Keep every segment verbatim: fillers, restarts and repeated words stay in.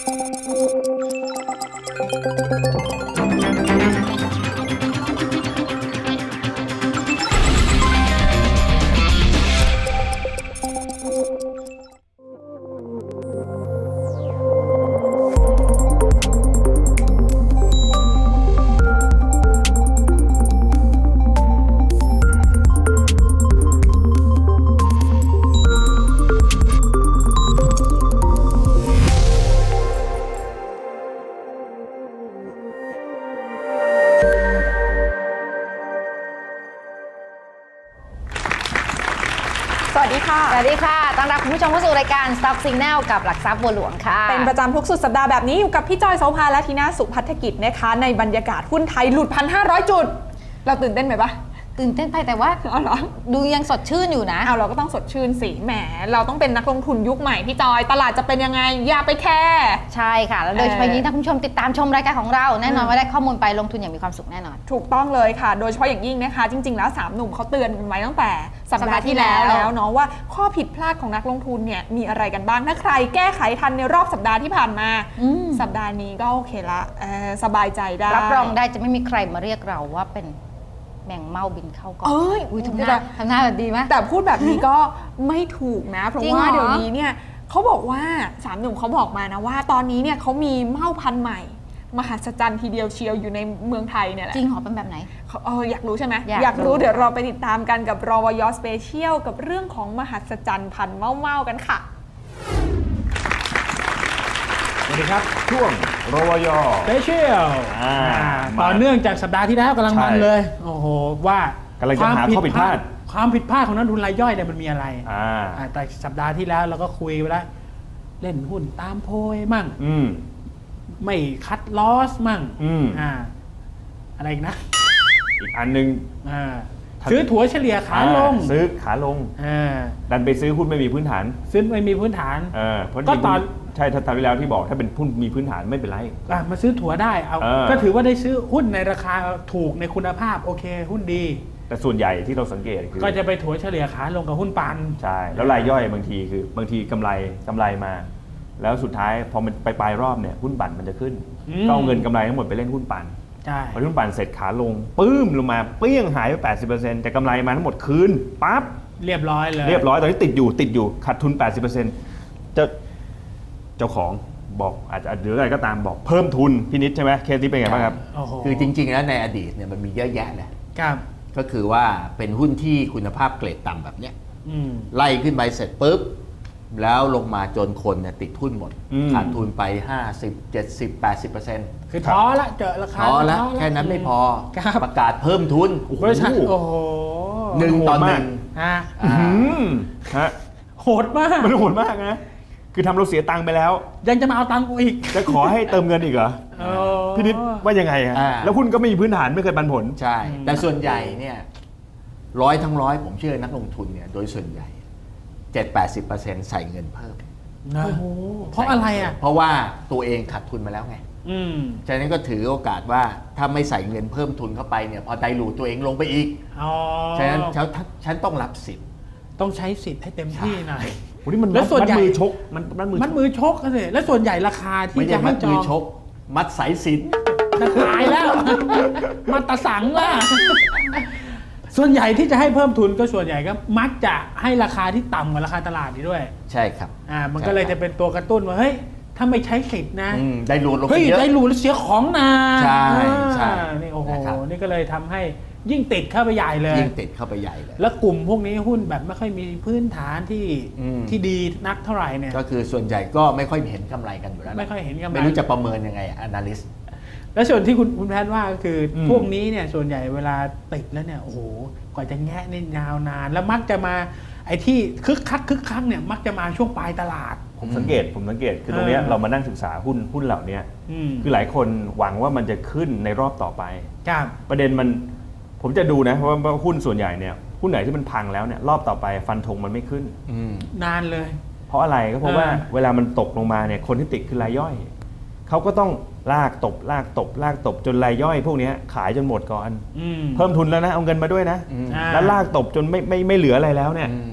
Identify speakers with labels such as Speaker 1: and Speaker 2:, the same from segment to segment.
Speaker 1: สวัสดีค่ะ
Speaker 2: สวัสดีค่ะต้อนรับคุณผู้ชมเข้าสู่รายการ Stock Signal กับหลักทรัพย์บัวหลวงค่ะ
Speaker 1: เป็นประจำทุกสุดสัปดาห์แบบนี้อยู่กับพี่จอยโสภาและทีน่าสุพัฒกิจนะคะในบรรยากาศหุ้นไทยหลุด หนึ่งพันห้าร้อย จุดเราตื่นเต้นไหมปะ
Speaker 2: ตื่นเต้นไปแต่ว่า
Speaker 1: เอาเหรอ
Speaker 2: ดูยังสดชื่นอยู่นะ
Speaker 1: เอาเราก็ต้องสดชื่นสิแหมเราต้องเป็นนักลงทุนยุคใหม่พี่จอยตลาดจะเป็นยังไงอย่าไปแคร์
Speaker 2: ใช่ค่ะแล้วโดยเฉพาะยิ่งถ้าคุณผู้ชมติดตามชมรายการของเราแน่นอนว่าได้ข้อมูลไปลงทุนอย่างมีความสุขแน่นอน
Speaker 1: ถูกต้องเลยค่ะโดยเฉพาะอย่างยิ่งนะคะจริงๆแล้วสามหนุ่มเขาเตือนกันไว้ตั้งแต่สัปดาห์ที่แล้วแล้วเนาะว่าข้อผิดพลาดของนักลงทุนเนี่ยมีอะไรกันบ้างถ้าใครแก้ไขทันในรอบสัปดาห์ที่ผ่านมาสัปดาห์นี้ก็โอเคละสบายใจได้
Speaker 2: รับรองได้จะไม่มีใครมาเรียกเราว่าเป็นแมงเม่าบินเข้ากล่อง
Speaker 1: เอ้ย
Speaker 2: ทำหน้าทำหน้าแบบดีไหม
Speaker 1: แต่พูดแบบนี้ก็ไม่ถูกนะเพราะว่าเดี๋ยวนี้เนี่ยเขาบอกว่าสามหนุ่มเขาบอกมานะว่าตอนนี้เนี่ยเขามีเม่าพันธุ์ใหม่มหัศจรรย์ทีเดียวเชียวอยู่ในเมืองไทยเนี่ยแหละ
Speaker 2: จริงเหรอเป็นแบบไหน
Speaker 1: เอออยากรู้ใช่ไหม
Speaker 2: อยาก
Speaker 1: อยากรู้เดี๋ยวเราไปติดตามกันกับรวย.สเปเชียลกับเรื่องของมหัศจรรย์พันธุ์เม่าเม่ากันค่ะ
Speaker 3: สวัสดีครับช่วงรวย.
Speaker 4: สเปเชียลต่อเนื่องจากสัปดาห์ที่แล้วกำลังมันเลยโอ้โหว่าก
Speaker 3: ำลังจะหาข้อผิดพลาด
Speaker 4: ความผิดพลาดของนักทุนรายย่อยเนี่ยมันมีอะไร
Speaker 3: อ่า
Speaker 4: แต่สัปดาห์ที่แล้วเราก็คุยไปแล้วเล่นหุ้นตามโพยมั่ง
Speaker 3: อืม
Speaker 4: ไม่คัดลอสมั่ง
Speaker 3: อืม
Speaker 4: อ่าอะไรอีกนะ
Speaker 3: อีกอันนึง
Speaker 4: อ่าซื้อถั่วเฉลี่ยขาลง
Speaker 3: ซื้อขาลง
Speaker 4: อ่า
Speaker 3: ดันไปซื้อหุ้นไม่มีพื้นฐาน
Speaker 4: ซื้อไม่มีพื้นฐาน
Speaker 3: เออก็ตอนใช่ถ้าทำไปแล้วที่บอกถ้าเป็นหุ้นมีพื้นฐานไม่เป็นไร
Speaker 4: อ่ะมาซื้อถั่วได้เอาก็ถือว่าได้ซื้อหุ้นในราคาถูกในคุณภาพโอเคหุ้นดี
Speaker 3: แต่ส่วนใหญ่ที่เราสังเกตคือ
Speaker 4: ก็จะไปถั่วเฉลี่ยขาลงกับหุ้นปัน
Speaker 3: ใช่แล้วรายย่อยบางทีคือบางทีกำไรกำไรมาแล้วสุดท้ายพอมันไปปลายรอบเนี่ยหุ้นปั่นมันจะขึ้นก็เอาเงินกำไรทั้งหมดไปเล่นหุ้นปั่นพอหุ้นปั่นเสร็จขาลงปื้มลงมาเปี้ยงหายไป แปดสิบเปอร์เซ็นต์ แต่กำไรมาทั้งหมดคืนปั๊บ
Speaker 4: เรียบร้อยเลย
Speaker 3: เรียบร้อยตอนนี้ติดอยู่ติดอยู่ขาดทุน แปดสิบเปอร์เซ็นต์ จะเจ้าของบอกอาจจะหรืออะไรก็ตามบอกเพิ่มทุนพี่นิดใช่ไหมเคสที่เป็นไงบ้างครับ
Speaker 5: คือจริงๆแล้วในอดีตเนี่ยมันมีเยอะแยะเลย
Speaker 4: ครับ
Speaker 5: ก็คือว่าเป็นหุ้นที่คุณภาพเกรดต่ำแบบเนี้ยไล่ขึ้นไปเสร็จปุ๊บแล้วลงมาจนคนเนี่ยติดทุนหมดขาดทุนไปห้าสิบ เจ็ดสิบ แปดสิบเปอร์เซ็นต์
Speaker 4: คือท้อละเจอราคา
Speaker 5: ท้อละแค่นั้นไม่พอประกาศเพิ่มทุน
Speaker 4: บริษัทโอ้โห
Speaker 5: หนึ่งต่อหนึ่ง
Speaker 3: ฮะ
Speaker 4: โหดมาก
Speaker 3: มันโหดมากนะคือทำเราเสียตังค์ไปแล้ว
Speaker 4: ยังจะมาเอาตังค์กูอีก
Speaker 3: จะขอให้เติมเงินอีกเหรอพี่นิดว่ายังไงฮะแล้วหุ้นก็ไม่มีพื้นฐานไม่เคยปันผล
Speaker 5: ใช่แต่ส่วนใหญ่เนี่ยร้อยทั้งร้อยผมเชื่อนักลงทุนเนี่ยโดยส่วนใหญ่ เจ็ดถึงแปดสิบเปอร์เซ็นต์ ใส่เงินเพิ่ม
Speaker 4: นะเพราะอะไรอ่ะ
Speaker 5: เพราะว่าตัวเองขาดทุนมาแล้วไงฉะนั้นก็ถือโอกาสว่าถ้าไม่ใส่เงินเพิ่มทุนเข้าไปเนี่ยพอไดรูทตัวเองลงไปอีกฉะนั้นฉันต้องรับสิทธิ์
Speaker 4: ต้องใช้สิทธิ์ให้เต็มที่หน่อย
Speaker 3: วันนี้มันแล้วส่วนใหญ่มือชกมัน
Speaker 4: มันมือมัดมือชกกันเลยแล้วส่วนใหญ่ราคาที่จะให้จอง
Speaker 5: มือชกมัดสายสิน
Speaker 4: ตายแล้วมัดตะสังล่ะส่วนใหญ่ที่จะให้เพิ่มทุนก็ส่วนใหญ่ก็มักจะให้ราคาที่ต่ำกว่าราคาตลาดนี่ด้วย
Speaker 5: ใช่ครับ
Speaker 4: อ่ามันก็เลยจะเป็นตัวกระตุ้นว่าเฮ้ยถ้าไม่ใช้สิทธิ์นะ
Speaker 5: ได้รูดลงไปเยอะ
Speaker 4: เฮ้ยได้รูดแล้วเสียของนะ
Speaker 5: ใช่ใช่
Speaker 4: นี่โอ้โหนี่ก็เลยทำให้ยิ่งติดเข้าไปใหญ่เลย
Speaker 5: ยิ่งติดเข้าไปใหญ่เลย
Speaker 4: แล้วกลุ่มพวกนี้หุ้นแบบไม่ค่อยมีพื้นฐานที่ที่ดีนักเท่าไหร่เนี่ย
Speaker 5: ก็คือส่วนใหญ่ก็ไม่ค่อยเห็นกำไรกันอยู่แล้ว
Speaker 4: ไม่ค่อยเห็นกำไร
Speaker 5: ไม่รู้จะประเมินยังไง analyst
Speaker 4: แล้วส่วนที่คุณคุณแพทย์ว่าก็คือพวกนี้เนี่ยส่วนใหญ่เวลาติดแล้วเนี่ยโอ้โหกว่าจะแงะนี่ยาวนานแล้วมักจะมาไอ้ที่คึกคักคึกคักเนี่ยมักจะมาช่วงปลายตลาด
Speaker 3: ผมสังเกตผมสังเกตคือตรงนี้เรามานั่งศึกษาหุ้นหุ้นเหล่านี้คือหลายคนหวังว่ามันจะขึ้นในรอบต่อไปประเด็นมันผมจะดูนะเพราะว่าหุ้นส่วนใหญ่เนี่ยหุ้นไหนที่มันพังแล้วเนี่ยรอบต่อไปฟันธงมันไม่ขึ้น
Speaker 4: นานเลย
Speaker 3: เพราะอะไรก็เพราะว่าเวลามันตกลงมาเนี่ยคนที่ติดคือรายย่อยเขาก็ต้องลากตบลากตบลากตบจนรายย่อยพวกนี้ขายจนหมดก่อนเพิ่มทุนแล้วนะเอาเงินมาด้วยนะแล้วลากตบจนไม่ไม่ไม่เหลืออะไรแล้วเนี่ย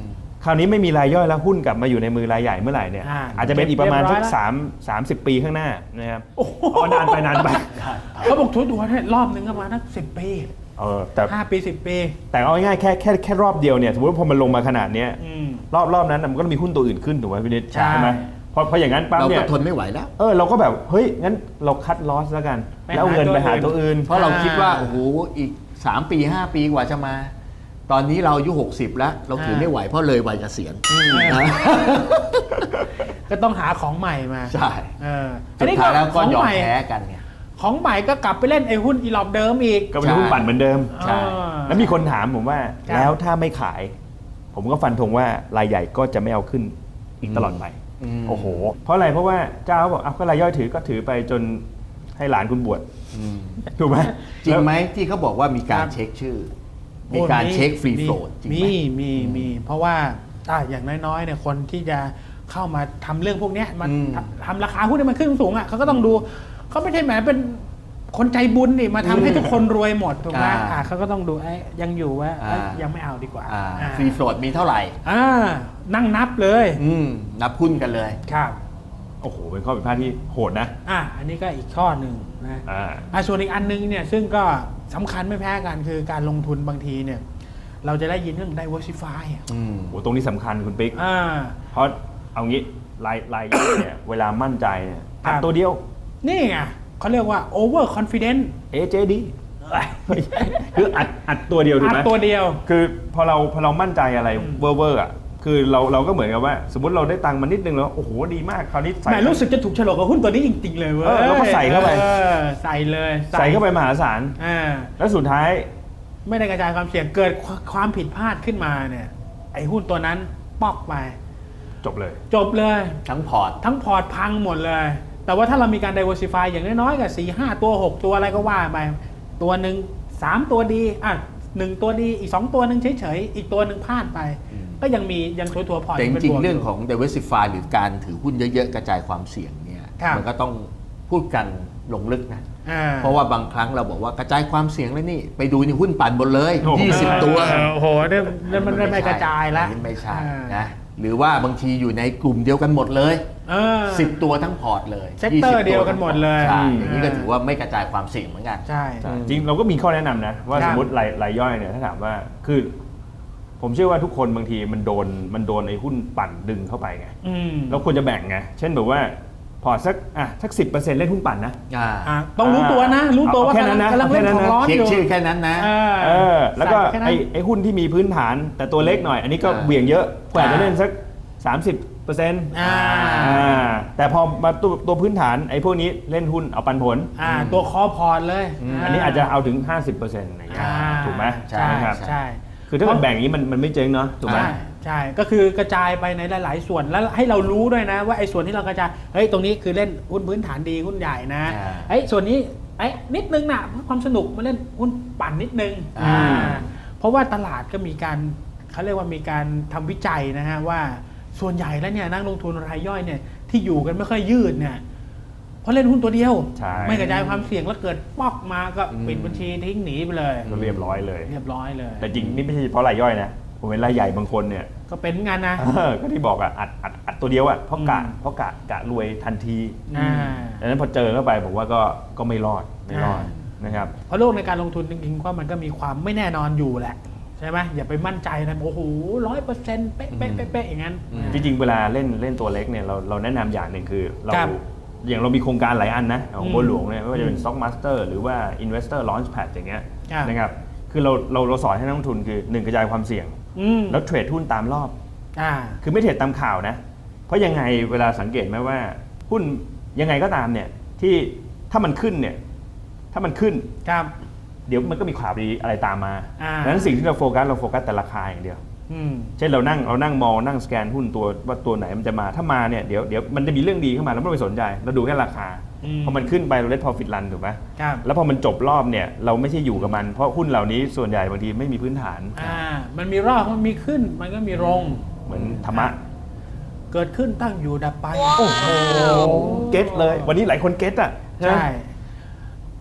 Speaker 3: คราวนี้ไม่มีรายย่อยแล้วหุ้นกลับมาอยู่ในมือรายใหญ่เมื่อไหร่เนี่ย
Speaker 4: อ่า
Speaker 3: อาจจะเป็นอีกประมาณสัก
Speaker 4: เรียบร้อยแล้ว
Speaker 3: สามสามสิบปีข้างหน้านะครับ
Speaker 4: โอ้โห
Speaker 3: อ๋อนานไปนานไป
Speaker 4: เขาบอกทุกตัวเนี่ยรอบหนึ่งก็ประมาณนักสิบปี
Speaker 3: เออแต่
Speaker 4: ห้าปีสิบปี
Speaker 3: แต่เอาง่ายๆแค่แค่แค่รอบเดียวเนี่ยสมมติว่าพอมันลงมาขนาดเนี้ย
Speaker 4: อืม
Speaker 3: รอบรอบนั้นน่ะมันก็ต้องมีหุ้นตัวอื่นขึ้นถูกไหมพี่นิด
Speaker 4: ใช่
Speaker 3: ไหมเพราะเพราะอย่างนั้นปั๊บ
Speaker 5: เรา
Speaker 3: เนี่
Speaker 5: ก็
Speaker 3: ย
Speaker 5: ทนไม่ไหวแล้ว
Speaker 3: เออเราก็แบบเฮ้ยงั้นเราคัดลอสแล้วกัน
Speaker 4: ไป
Speaker 3: แล้วเอาเงิน
Speaker 4: หา
Speaker 3: ไปหา
Speaker 4: ตั
Speaker 3: ตัว ว
Speaker 4: อื่
Speaker 3: อื่
Speaker 4: น
Speaker 3: น
Speaker 5: เพราะเราคิดว่าโอ้โหอีกสามปีห้าปีกว่าจะมา ตอนนี้เราอายุหกสิบแล้ว เราถือไม่ไหวเพราะเลยวัยเกษียณนะ
Speaker 4: ก็ต้องหาของใหม่มา
Speaker 5: ใช่
Speaker 4: เออ
Speaker 5: สุดท้ายแล้วก็ยอ
Speaker 4: ขง
Speaker 5: ม
Speaker 4: ให
Speaker 5: แพ้กันไง
Speaker 4: ของใหม่ก็กลับไปเล่นไอ้หุ้นอีหลอบเดิมอีก
Speaker 3: ก็เป็นหุ้นปั่นเหมือนเดิม
Speaker 5: ใช่
Speaker 4: เออ
Speaker 3: แล้วมีคนถามผมว่า
Speaker 4: ครับ
Speaker 3: แล้วถ้าไม่ขาย ผมก็ฟันธงว่ารายใหญ่ก็จะไม่เอาขึ้นอีกตลอดไป
Speaker 5: อืม
Speaker 3: โอ้โห เพราะอะไรเพราะว่าเจ้าบอกเอาก็รายย่อยถือก็ถือไปจนให้หลานคุณบวช
Speaker 5: อืม
Speaker 3: ถูกไหม
Speaker 5: จริงไหมที่เขาบอกว่ามีการ
Speaker 4: ครับ
Speaker 5: เช็คชื่อ มีการเช็คฟรีโฟลดจริงไหม
Speaker 4: มีมีมีเพราะว่าอ่ะอย่างน้อยๆเนี่ยคนที่จะเข้ามาทำเรื่องพวกเนี้ยมัน
Speaker 5: อืม
Speaker 4: ทำทำราคาหุ้นให้มันขึ้นสูงอ่ะเขาก็ต้องดูเขาไม่ใช่แหมเป็นคนใจบุญนี่มาทำให้ทุกคนรวยหมดถูกไหม
Speaker 5: อ่า
Speaker 4: อ่ะเขาก็ต้องดูไอ้ยังอยู่ว่าเอ้ย
Speaker 5: อ่ายั
Speaker 4: ยังไม่เอาดีกว่า
Speaker 5: อ่า
Speaker 4: อ่า
Speaker 5: ฟรีโฟลดมีเท่าไหร่
Speaker 4: อ่านั่งนับเลย
Speaker 5: อืมนับหุ้นกันเลย
Speaker 4: ครับ
Speaker 3: โอ้โห เป็นข้อผิดพลาดที่โหดนะ
Speaker 4: อ่ะอันนี้ก็อีกข้อหนึ่งนะ
Speaker 3: อ่า
Speaker 4: อ่ะส่วนอีกอันนึงเนี่ยซึ่งก็สำคัญไม่แพ้กันคือการลงทุนบางทีเนี่ยเราจะได้ยินเรื่อง diversify อ่ะ
Speaker 5: อืม
Speaker 3: โอ้ตรงนี้สำคัญคุณปิ๊ก
Speaker 4: อ่า
Speaker 3: เพราะเอางี้รายรายย่อยเนี่ย เวลามั่นใจเนี่ยอัด
Speaker 4: ครับ
Speaker 3: ตัวเดียว
Speaker 4: นี่ไงเขาเรียกว่า over confident
Speaker 3: เอ เจ ดี คืออัดอัดตัวเดียวถูก
Speaker 4: อัด
Speaker 3: ไหม
Speaker 4: ตัวเดียว
Speaker 3: คือพอเราพอเรามั่นใจอะไร
Speaker 4: อืม
Speaker 3: เวอร์เวอร์อ่ะคือเราเราก็เหมือนกับว่า สมมติเราได้ตังค์มานิดนึงแล้วโอ้โหดีมากคราวนี้ใส่
Speaker 4: แหมรู้สึกจะถูกโฉลกกับหุ้นตัวนี้จริง ๆ เลยเว้ย
Speaker 3: เออแล้วก็ใส่เข้าไป
Speaker 4: ออใส่เลย
Speaker 3: ใส่เข้าไปมหาศาล
Speaker 4: อ่า
Speaker 3: แล้วสุดท้าย
Speaker 4: ไม่ได้กระจายความเสี่ยงเกิดความผิดพลาดขึ้นมาเนี่ยไอ้หุ้นตัวนั้นปอกไป
Speaker 3: จบเลย
Speaker 4: จบเลย
Speaker 5: ทั้งพอร์ต
Speaker 4: ทั้งพอร์ตพังหมดเลย แต่ว่าถ้าเรามีการ diversify อย่างน้อยๆกับสี่ห้าตัวหกตัวอะไรก็ว่าไป ตัวหนึ่งสามตัวดีอ่ะหนึ่งตัวดีอีกสองตัวหนึ่งเฉยๆ อีกตัวหนึ่งพลาดไป
Speaker 5: อืม
Speaker 4: ก็ยังมียังถัวๆพอร์ต
Speaker 5: แต่จ
Speaker 4: ป็น
Speaker 5: ริง
Speaker 4: บวก
Speaker 5: ๆเรื่อง
Speaker 4: ยู่
Speaker 5: ของ diversify หรือการถือหุ้นเยอะๆ กระจายความเสี่ยงเนี่ย
Speaker 4: ครับ
Speaker 5: มันก็ต้องพูดกันลงลึกนะ
Speaker 4: อ่า
Speaker 5: เพราะว่าบางครั้งเราบอกว่ากระจายความเสี่ยงแล้วนี่ ไปดูในหุ้นปั่นหมดเลย
Speaker 3: โอ้โห
Speaker 5: ยี่สิบ ตัว
Speaker 4: เออโอ้โหเนี่ยเนี่ยมันไม่กระจายแล้ว
Speaker 5: อันนี้ไม่ใช่
Speaker 4: อ่าน
Speaker 5: นะหรือว่าบางทีอยู่ในกลุ่มเดียวกันหมดเลย
Speaker 4: เออ
Speaker 5: สิบตัวทั้งพอร์ตเลย
Speaker 4: เซกเตอร์
Speaker 5: ยี่สิบ
Speaker 4: เดียวกันหมดเลย
Speaker 5: ใช่
Speaker 4: อืม
Speaker 5: อย่างนี้ก็ถือว่าไม่กระจายความเสี่ยงเหมือนกัน
Speaker 4: ใช่
Speaker 3: จริงเราก็มีข้อแนะนำนะ ว่า
Speaker 4: ครั
Speaker 3: ส
Speaker 4: บ
Speaker 3: มมติรายรายย่อยเนี่ยถ้าถามว่าคือ ผมเชื่อว่าทุกคนบางทีมันโดนมันโดนไอ้หุ้นปั่นดึงเข้าไปไง
Speaker 4: อืม
Speaker 3: เราควรจะแบ่งไง เช่นแบบว่าพอร์ตสักอ่ะสักสิบเปอร์เซ็นต์เล่นหุ้นปั่นนะ
Speaker 5: อ่า
Speaker 4: อ่ะต้องรู้ตัวนะ รู้ตัวว่า
Speaker 3: เอาแค่นั้นนะ
Speaker 4: กำลังเล่นของร้อน
Speaker 5: เช็
Speaker 4: อ
Speaker 5: ค
Speaker 4: ยู่
Speaker 5: ชื่อแค่นั้นนะ
Speaker 4: เออ
Speaker 3: เออ แล้วก็
Speaker 4: ใส่แค่นั้น
Speaker 3: ไอ้ไอ้หุ้นที่มีพื้นฐาน แต่ตัวเล็กหน่อย อันนี้ก็
Speaker 5: อ่า
Speaker 3: เหวี่ยงเยอะกว่า
Speaker 5: อ่า
Speaker 3: จะเล่นสักสามสิบเปอร์เซ็นต์
Speaker 4: อ่า
Speaker 3: แต่พอมาตัวตัวพื้นฐานไอ้พวกนี้เล่นหุ้นเอาปันผล
Speaker 4: อ่าตัวคอพอร์ตเลย
Speaker 3: อันนี้อาจจะเอาถึง ห้าสิบเปอร์เซ็นต์อะไรอย่างเงี้ย
Speaker 4: อ่า
Speaker 3: ถูกไหม
Speaker 4: ใช่
Speaker 3: ครับ
Speaker 4: ใช่
Speaker 3: คือถ้าเกิดแบ่งอย่างนี้มันมันไม่เจ๊งเนาะถูกไหม
Speaker 4: ใช่ใช่ก็คือกระจายไปในหลาย ๆ ส่วนแล้วให้เรารู้ด้วยนะ ว่าไอ้ส่วนที่เรากระจายเฮ้ยตรงนี้คือเล่นหุ้นพื้นฐานดีหุ้นใหญ่นะ
Speaker 5: อ่า
Speaker 4: ไอ้ยส่วนนี้ไอ้ยนิดนึงนะเพื่อความสนุกมาเล่นหุ้นปั่นนิดนึง
Speaker 5: อ่า
Speaker 4: อ่าเพราะว่าตลาดก็มีการเขาเรียกว่ามีการทำวิจัยนะฮะว่าส่วนใหญ่แล้วเนี่ยนักลงทุนรายย่อยเนี่ยที่อยู่กันไม่ค่อยยืดเนี่ยเพราะเล่นหุ้นตัวเดียว
Speaker 3: ใช่
Speaker 4: ไม่กระจายความเสี่ยงแล้วเกิดป๊อกมาก็ปิดบัญชีทิ้งหนีไปเลย
Speaker 3: ก็เรียบร้อยเลย
Speaker 4: เรียบร้อยเลย
Speaker 3: แต่จริงนี่ไม่ใช่เฉพาะรายย่อยนะ ผมเห็นรายใหญ่บางคนเนี่ย
Speaker 4: ก็เป็นงานนะ
Speaker 3: เออก็ที่บอกอ่ะอัดอัดอัดตัวเดียวอ่ะเพราะกะ
Speaker 4: อืม
Speaker 3: เพราะกะกะรวยทันที
Speaker 4: อ่า
Speaker 3: ดังนั้นพอเจอเข้าไปผมว่าก็ก็ไม่รอดไม่รอด
Speaker 4: อ่
Speaker 3: นะครับ
Speaker 4: เพราะโลกในการลงทุนจริงๆว่ามันก็มีความไม่แน่นอนอยู่แหละ ใช่ไหมอย่าไปมั่นใจนะโอ้โหร้อยเปอร์เซ็นต์เป๊ะเป๊ะเป๊ะเป๊ะอย่างนั้น
Speaker 5: อืม
Speaker 3: จริงๆเวลาเล่นเล่นตัวเล็กเนี่ยเราเราแนะนำอย่างหนึ่งคือเรา
Speaker 4: ครับ
Speaker 3: อย่างเรามีโครงการหลายอันนะของ
Speaker 4: อืม
Speaker 3: บัวหลวงเนี่ยไม่ว่าจะเป็น Stock Master หรือว่า Investor Launchpad อย่างเงี้ย
Speaker 4: ครับ
Speaker 3: นะครับคือเราเราเราสอนให้นักลงทุนคือหนึ่งกระจายความเสี่ยง
Speaker 4: อืม
Speaker 3: แล้วเทรดหุ้นตามรอบ
Speaker 4: อ่า
Speaker 3: คือไม่เทรดตามข่าวนะ เพราะยังไงเวลาสังเกตไหมว่าหุ้นยังไงก็ตามเนี่ยที่ถ้ามันขึ้นเนี่ยถ้ามันขึ้น
Speaker 4: ครับ
Speaker 3: เดี๋ยวมันก็มีข่าวดีอะไรตามมา
Speaker 4: อ่า
Speaker 3: ดังนั้นสิ่งที่เราโฟกัสเราโฟกัสแต่ราคาอย่างเดียว
Speaker 4: อืม
Speaker 3: เช่นเรานั่งเรานั่งมองนั่งสแกนหุ้นตัวว่าตัวไหนมันจะมาถ้ามาเนี่ยเดี๋ยวเดี๋ยวมันจะมีเรื่องดีเข้ามาแล้วไม่ต้องไปสนใจ เราดูแค่ราคา
Speaker 4: อืม
Speaker 3: พอมันขึ้นไปเราเล่น profit run ถูกไหม
Speaker 4: ครับ
Speaker 3: แล้วพอมันจบรอบเนี่ยเราไม่ใช่อยู่กับมันเพราะหุ้นเหล่านี้ส่วนใหญ่บางทีไม่มีพื้นฐาน
Speaker 4: อ่า มันมีรอบมันมีขึ้น มันก็มีลง
Speaker 3: เหมือนธรรมะ
Speaker 4: เกิดขึ้นตั้งอยู่ดับไป
Speaker 3: โอ้โหเก็ตเลย วันนี้หลายคนเก็ตอ่ะใช่ไหม
Speaker 4: ใช่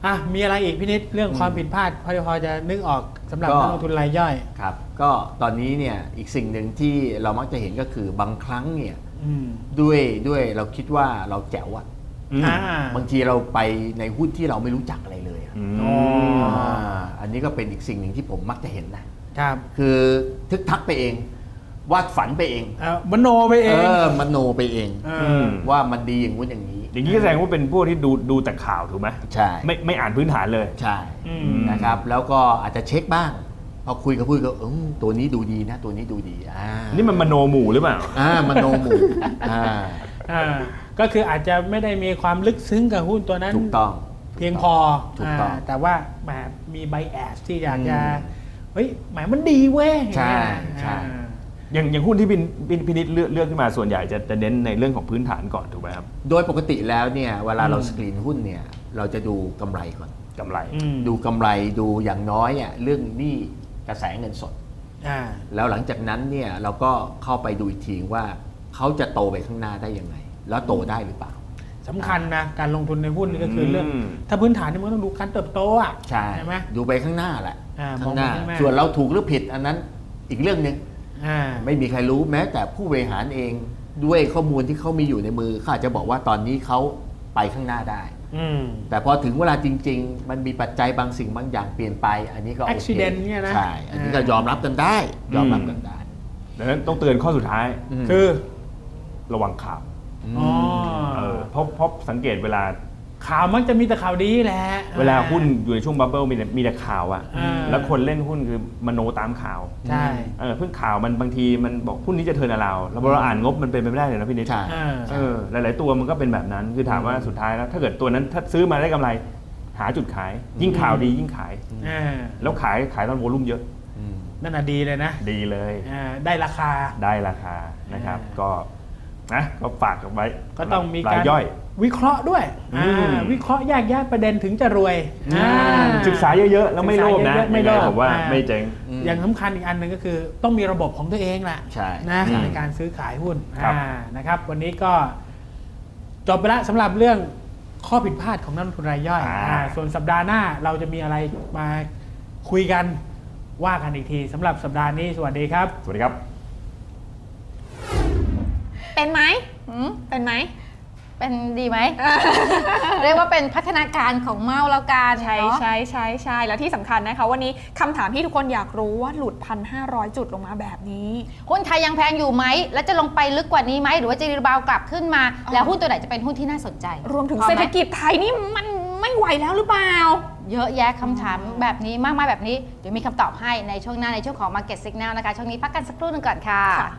Speaker 4: อ่ะมีอะไรอีกพี่นิดเรื่องความผิดพลาดพอพอจะนึกออกสำหรับนักลงทุนรายย่อย
Speaker 5: ครับก็ตอนนี้เนี่ยอีกสิ่งหนึ่งที่เรามักจะเห็นก็คือบางครั้งเนี่ย
Speaker 4: อืม
Speaker 5: ด้วยด้วยเราคิดว่าเราแจ๋วอะ
Speaker 3: อืม
Speaker 4: อ่า
Speaker 5: บางทีเราไปในหุ้นที่เราไม่รู้จักอะไรเลยอะ
Speaker 3: อืม
Speaker 4: อ๋อ
Speaker 5: อ่าอันนี้ก็เป็นอีกสิ่งหนึ่งที่ผมมักจะเห็นนะครับ คือทึกทักไปเองวาดฝันไปเอง
Speaker 4: เอ่อมโนไปเอ
Speaker 5: เอง อมโนไปเอง
Speaker 4: เอ
Speaker 3: อื
Speaker 4: อ
Speaker 3: ม
Speaker 5: ว่ามันดีอย่างงู้นอย่างนี้
Speaker 3: อย่างนี้แสดงว่าเป็นพวกที่ดูดูแต่ข่าวถูกไหม
Speaker 5: ใช่
Speaker 3: ไม่ไม่อ่านพื้นฐานเลย
Speaker 5: ใช่
Speaker 4: อืม
Speaker 5: นะครับแล้วก็อาจจะเช็คบ้างพอคุยกับคุยก็เออตัวนี้ดูดีนะ ตัวนี้ดูดีอ่า
Speaker 3: นี่มันมโนหมู่หรือเปล่า
Speaker 5: อ่ามโนหมู่อ่า
Speaker 4: อ่าก็คืออาจจะไม่ได้มีความลึกซึ้งกับหุ้นตัวนั้น
Speaker 5: ถูกต้อง
Speaker 4: เพียงพอ
Speaker 5: ถูกต้อง
Speaker 4: าแต่ว่าแหมมีไบแอสที่อยากจะ
Speaker 5: อืม
Speaker 4: เฮ้ยแหมมันดีเว้ย
Speaker 5: ใช่
Speaker 4: อย่างเงี้ย
Speaker 5: ใช่
Speaker 4: อ่า
Speaker 3: อย่างอย่างหุ้นที่พินพินพินิจเลือกเลือกขึ้นมาส่วนใหญ่จะจะเน้นในเรื่องของพื้นฐานก่อนถูกไหมครับ
Speaker 5: โดยปกติแล้วเนี่ยเวลาเรา
Speaker 4: อืม
Speaker 5: สกรีนหุ้นเนี่ยเราจะดูกำไรก่อน
Speaker 3: กำไร
Speaker 4: อืม
Speaker 5: ดูกำไรดูอย่างน้อยอ่ะเรื่องหนี้กระแสเงินสด
Speaker 4: อ่า
Speaker 5: แล้วหลังจากนั้นเนี่ยเราก็เข้าไปดูอีกทีว่าเขาจะโตไปข้างหน้าได้ยังไง แล้วโตได้หรือเปล่า
Speaker 4: สำคัญนะการลงทุนในหุ้นนี่ก็คือเรื่อง
Speaker 3: อืม
Speaker 4: ถ้าพื้นฐานนี่มันก็ต้องดูการเติบโตอ่ะ
Speaker 5: ใช่
Speaker 4: ไหม
Speaker 5: ดูไปข้างหน้าแหละ
Speaker 4: อ่า
Speaker 5: ข้างหน้าม
Speaker 4: องไปข้างหน้า
Speaker 5: ส่วนเราถูกหรือผิดอันนั้นอีกเรื่องหนึ่ง
Speaker 4: อ่า
Speaker 5: ไม่มีใครรู้แม้แต่ผู้บริหารเองด้วยข้อมูลที่เขามีอยู่ในมือเขาอาจจะบอกว่าตอนนี้เขาไปข้างหน้าได้
Speaker 4: อืม
Speaker 5: แต่พอถึงเวลาจริง ๆ มันมีปัจจัยบางสิ่งบางอย่างเปลี่ยนไป อันนี้ก็โอเค
Speaker 4: accident เนี่ยนะ
Speaker 5: ใช่อันนี้ก็ยอมรับกันได้ ยอมรับกันได้
Speaker 3: ดังนั้นต้องเตือนข้อสุดท้าย
Speaker 5: ม
Speaker 4: คือ
Speaker 3: ระวังข่าว
Speaker 4: อ๋อ
Speaker 3: เออเพราะเพราะสังเกตเวลา
Speaker 4: ข่าวมักจะมีแต่ข่าวดีแหละ
Speaker 3: เวลาหุ้นอยู่ในช่วงบับเบิ้ลมีแต่มีแต่ข่าวอะ
Speaker 4: อ่า
Speaker 3: แล้วคนเล่นหุ้นคือมโนตามข่าว
Speaker 4: ใช่
Speaker 3: เออเพิ่งข่าวมันบางทีมันบอกหุ้นนี้จะเทิร์นอราวด์แล้วพอเราอ่านงบมันเป็นไปไม่ได้เลยนะพี่นิด
Speaker 5: ใช่
Speaker 4: อ่า
Speaker 3: เออหลาย ๆ ตัวมันก็เป็นแบบนั้นคือถามว่าสุดท้ายแล้วถ้าเกิดตัวนั้นถ้าซื้อมาได้กำไร หาจุดขาย ยิ่งข่าวดียิ่งขาย
Speaker 4: อ่า
Speaker 3: แล้วขายขายตอนโวลุ่มเยอะ
Speaker 5: อืม
Speaker 4: นั่นน่ะดีเลยนะ
Speaker 3: ดีเลย
Speaker 4: อ่าได้ราคา
Speaker 3: ได้ราคานะครับ
Speaker 4: อ่า
Speaker 3: ก็นะก็ฝากกันไว้
Speaker 4: ก็ต้องมี
Speaker 3: ราก
Speaker 4: าย ร
Speaker 3: ย่อย
Speaker 4: วิเคราะห์ด้วย
Speaker 3: อืม
Speaker 4: อ่าวิเคราะห์แยกแยะประเด็นถึงจะรวยอ่า
Speaker 3: ศึกษาเยอะ ๆ แล้วไม่โลภนะ
Speaker 4: ศึกษาเยอะๆไม่โลภ
Speaker 3: ยังงผมว่า
Speaker 4: อ่า
Speaker 3: ไม่เจ๊ง
Speaker 5: อืม
Speaker 4: อย่างสำคัญอีกอันหนึ่งก็คือต้องมีระบบของตัวเองแหละ
Speaker 5: ใช่
Speaker 4: นะ
Speaker 5: ใช่
Speaker 4: ในการซื้อขายหุ้น
Speaker 3: ครับ
Speaker 4: อ่านะครับ วันนี้ก็จบไปแล้วสำหรับเรื่องข้อผิดพลาดของนักลงทุนรายย่อยอ่าส่วนสัปดาห์หน้าเราจะมีอะไรมาคุยกันว่ากันอีกทีสำหรับสัปดาห์นี้สวัสดีครับ
Speaker 3: สวัสดีครับ
Speaker 1: เป็นไหม
Speaker 2: หืม
Speaker 1: เป็นไหม
Speaker 2: เป็นดีไหม เรียกว่าเป็นพัฒนาการของเมาแล้วกัน
Speaker 1: ใช่
Speaker 2: เนาะ
Speaker 1: ใช่ใช่ใช่แล้วที่สำคัญนะคะวันนี้คำถามที่ทุกคนอยากรู้ว่าหลุดพันห้าร้อยจุดลงมาแบบนี้
Speaker 2: หุ้นไทยยังแพงอยู่ไหม แล้วจะลงไปลึกกว่านี้ไหม หรือว่าจะรีบาวกลับขึ้นมา
Speaker 1: อ๋อ
Speaker 2: แล้วหุ้นตัวไหนจะเป็นหุ้นที่น่าสนใจ
Speaker 1: รวมถึง
Speaker 2: พอไห
Speaker 1: เศรษฐกิจไทยนี่มันไม่ไหวแล้วหรือเปล่า
Speaker 2: เยอะแยะคำถามแบบนี้มากมายแบบนี้ เดี๋ยวมีคำตอบให้ในช่วงหน้าในช่วงของ Market Signal นะคะ ช่วงนี้พักกันสักครู่หนึงก่อนค่ะ
Speaker 1: ค่ะ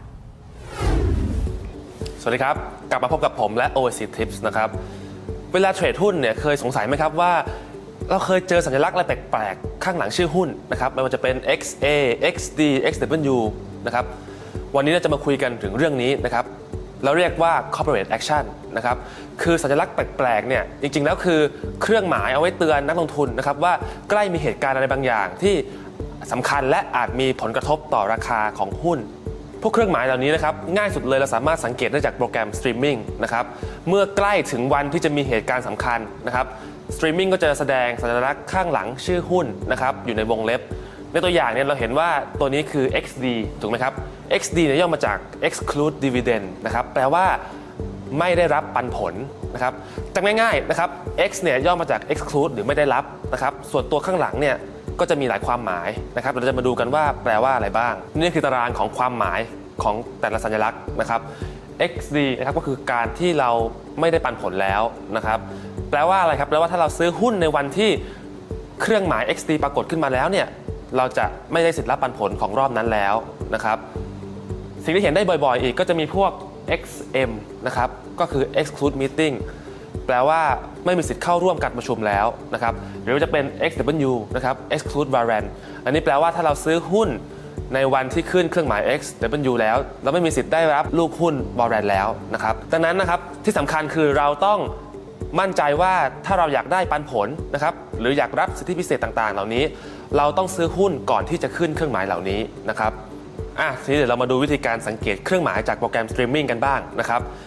Speaker 6: สวัสดีครับ กลับมาพบกับผมและ โอ เอ ซี Tips นะครับ เวลาเทรดหุ้นเนี่ยเคยสงสัยไหมครับว่า เราเคยเจอสัญลักษณ์อะไรแปลกๆ ข้างหลังชื่อหุ้นนะครับไม่ว่าจะเป็น เอ็กซ์ เอ เอ็กซ์ ดี เอ็กซ์ ดับเบิลยู นะครับวันนี้เราจะมาคุยกันถึงเรื่องนี้นะครับเราเรียกว่า corporate action นะครับคือสัญลักษณ์แปลกๆเนี่ยจริงๆแล้วคือเครื่องหมายเอาไว้เตือนนักลงทุนนะครับว่าใกล้มีเหตุการณ์อะไรบางอย่างที่สำคัญและอาจมีผลกระทบต่อราคาของหุ้น พวกเครื่องหมายเหล่านี้นะครับง่ายสุดเลยเราสามารถสังเกตได้จากโปรแกรมสตรีมมิ่งนะครับเมื่อใกล้ถึงวันที่จะมีเหตุการณ์สำคัญนะครับสตรีมมิ่งก็จะแสดงสัญลักษณ์ข้างหลังชื่อหุ้นนะครับอยู่ในวงเล็บในตัวอย่างเนี่ยเราเห็นว่าตัวนี้คือ เอ็กซ์ ดี ถูกไหมครับ เอ็กซ์ ดี เนี่ยย่อมาจาก exclude dividend นะครับแปลว่าไม่ได้รับปันผลนะครับจำง่ายๆนะครับ X เนี่ยย่อมาจาก exclude หรือไม่ได้รับนะครับส่วนตัวข้างหลังเนี่ยก็จะมีหลายความหมายนะครับเราจะมาดูกันว่าแปลว่าอะไรบ้าง นี่คือตารางของความหมายของแต่ละสัญลักษณ์นะครับ เอ็กซ์ ดี นะครับก็คือการที่เราไม่ได้ปันผลแล้วนะครับแปลว่าอะไรครับแปลว่าถ้าเราซื้อหุ้นในวันที่เครื่องหมาย เอ็กซ์ ดี ปรากฏขึ้นมาแล้วเนี่ยเราจะไม่ได้สิทธิ์รับปันผลของรอบนั้นแล้วนะครับสิ่งที่เห็นได้บ่อยๆอีกก็จะมีพวก เอ็กซ์ เอ็ม นะครับก็คือ exclude meeting แปลว่าไม่มีสิทธิ์เข้าร่วมการประชุมแล้วนะครับหรือจะเป็น เอ็กซ์ ดับเบิลยู นะครับ exclude warrant อันนี้แปลว่าถ้าเราซื้อหุ้นในวันที่ขึ้นเครื่องหมาย X ดับเบิลยู แล้วเราไม่มีสิทธิ์ได้รับลูกหุ้น warrant แล้วนะครับดังนั้นนะครับที่สำคัญคือเราต้องมั่นใจว่าถ้าเราอยากได้ปันผลนะครับหรืออยากรับสิทธิพิเศษต่างๆ เหล่านี้เราต้องซื้อหุ้นก่อนที่จะขึ้นเครื่องหมายเหล่านี้นะครับอ่ะทีนี้เดี๋ยวเรามาดูวิธีการสังเกตเครื่องหมายจากโปรแกรมสตรีมมิ่งกันบ้างนะครับ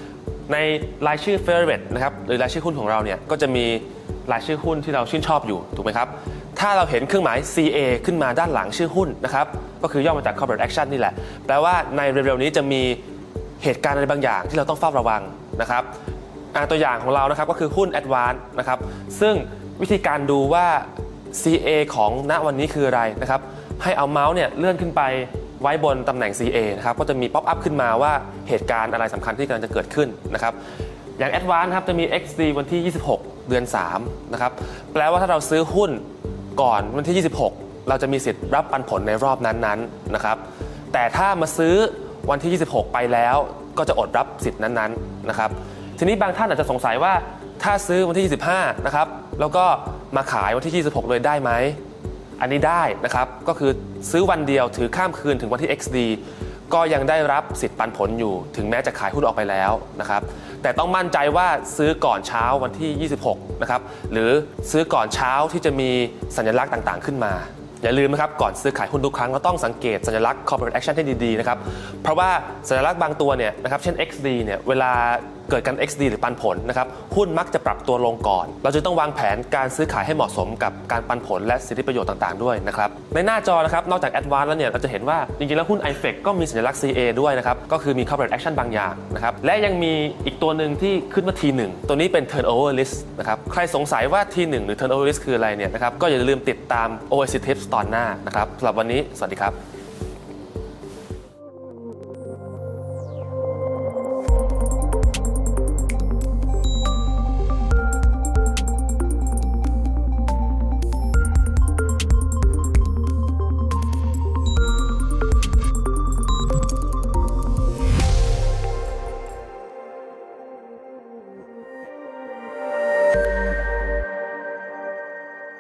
Speaker 6: ในรายชื่อ favorite นะครับหรือรายชื่อหุ้นของเราเนี่ยก็จะมีรายชื่อหุ้นที่เราชื่นชอบอยู่ถูกไหมครับถ้าเราเห็นเครื่องหมาย ซี เอ ขึ้นมาด้านหลังชื่อหุ้นนะครับก็คือย่อมาจาก corporate action นี่แหละแปลว่าในเร็วๆนี้จะมีเหตุการณ์อะไรบางอย่างที่เราต้องเฝ้าระวังนะครับตัวอย่างของเรานะครับก็คือหุ้น Advance นะครับซึ่งวิธีการดูว่า ซี เอ ของณวันนี้คืออะไรนะครับให้เอาเมาส์เนี่ยเลื่อนขึ้นไปไว้บนตำแหน่ง ซี เอ นะครับก็จะมีป๊อปอัพขึ้นมาว่าเหตุการณ์อะไรสำคัญที่กำลังจะเกิดขึ้นนะครับอย่าง Advance ครับจะมี เอ็กซ์ ดี วันที่ยี่สิบหกเดือนสามนะครับแปลว่าถ้าเราซื้อหุ้นก่อนวันที่ยี่สิบหกเราจะมีสิทธิ์รับปันผลในรอบนั้นๆนะครับแต่ถ้ามาซื้อวันที่ยี่สิบหกไปแล้วก็จะอดรับสิทธิ์นั้นๆนะครับทีนี้บางท่านอาจจะสงสัยว่าถ้าซื้อวันที่ยี่สิบห้านะครับแล้วก็มาขายวันที่ยี่สิบหกเลยได้ไหมอันนี้ได้นะครับก็คือซื้อวันเดียวถือข้ามคืนถึงวันที่ เอ็กซ์ ดี ก็ยังได้รับสิทธิ์ปันผลอยู่ถึงแม้จะขายหุ้นออกไปแล้วนะครับแต่ต้องมั่นใจว่าซื้อก่อนเช้าวันที่ยี่สิบหกนะครับหรือซื้อก่อนเช้าที่จะมีสัญลักษณ์ต่างๆขึ้นมาอย่าลืมนะครับก่อนซื้อขายหุ้นทุกครั้งเราต้องสังเกตสัญลักษณ์ corporate action ให้ดีๆนะครับเพราะว่าสัญลักษณ์บางตัวเนี่ยนะครับเช่น เอ็กซ์ ดี เนี่ยเวลาเกิดการ เอ็กซ์ ดี หรือปันผลนะครับหุ้นมักจะปรับตัวลงก่อนเราจะต้องวางแผนการซื้อขายให้เหมาะสมกับการปันผลและสิทธิประโยชน์ต่างๆด้วยนะครับในหน้าจอนะครับนอกจาก Advance แล้วเนี่ยเราจะเห็นว่าจริงๆแล้วหุ้น ไอ เฟค ก็มีสัญลักษณ์ ซี เอ ด้วยนะครับก็คือมี corporate action บางอย่างนะครับและยังมีอีกตัวหนึ่งที่ขึ้นว่า ที หนึ่ง ตัวนี้เป็น turnover list นะครับใครสงสัยว่า ที หนึ่ง หรือ turnover list คืออะไรเนี่ยนะครับก็อย่าลืมติดตาม โอ เอ ซี Tips ตอนหน้านะครับสำหรับวันนี้สวัสดีครับ